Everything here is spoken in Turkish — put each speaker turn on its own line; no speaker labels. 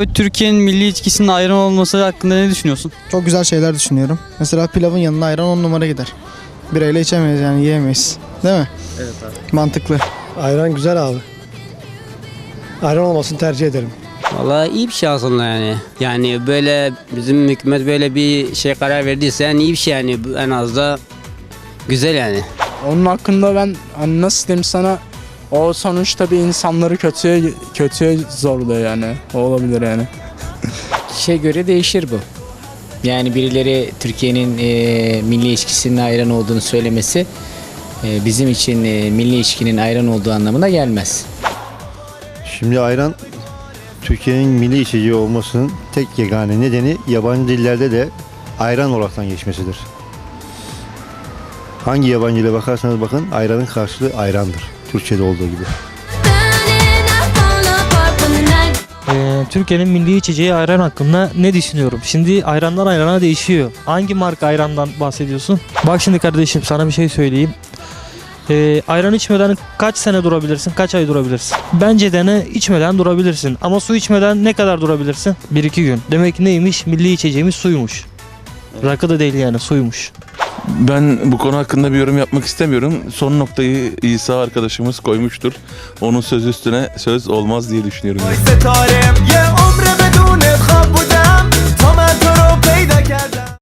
Türkiye'nin milli içkisinin ayran olması hakkında ne düşünüyorsun?
Çok güzel şeyler düşünüyorum. Mesela pilavın yanına ayran 10 numara gider. Birayla içemeyiz yani yiyemeyiz. Değil mi?
Evet abi.
Mantıklı.
Ayran güzel abi. Ayran olmasını tercih ederim.
Vallahi iyi bir şey aslında yani. Yani böyle bizim hükümet böyle bir şey karar verdiyse yani iyi bir şey yani en az da güzel yani.
Onun hakkında ben hani nasıl diyeyim sana, o sonuçta bir insanları kötüye zorluyor yani. O olabilir yani.
Kişiye göre değişir bu. Yani birileri Türkiye'nin milli içkisinin ayran olduğunu söylemesi bizim için milli içkinin ayran olduğu anlamına gelmez.
Şimdi ayran Türkiye'nin milli içeceği olmasının tek yegane nedeni yabancı dillerde de ayran olaraktan geçmesidir. Hangi yabancı dile bakarsanız bakın ayranın karşılığı ayrandır. Türkçe'de olduğu gibi.
Türkiye'nin milli içeceği ayran hakkında ne düşünüyorum? Şimdi ayrandan ayrana değişiyor. Hangi marka ayrandan bahsediyorsun? Bak şimdi kardeşim, sana bir şey söyleyeyim. Ayran içmeden kaç sene durabilirsin, kaç ay durabilirsin? Bence dene, içmeden durabilirsin. Ama su içmeden ne kadar durabilirsin? 1-2 gün. Demek ki neymiş? Milli içeceğimiz suymuş. Rakı da değil yani, suymuş.
Ben bu konu hakkında bir yorum yapmak istemiyorum. Son noktayı İsa arkadaşımız koymuştur. Onun söz üstüne söz olmaz diye düşünüyorum.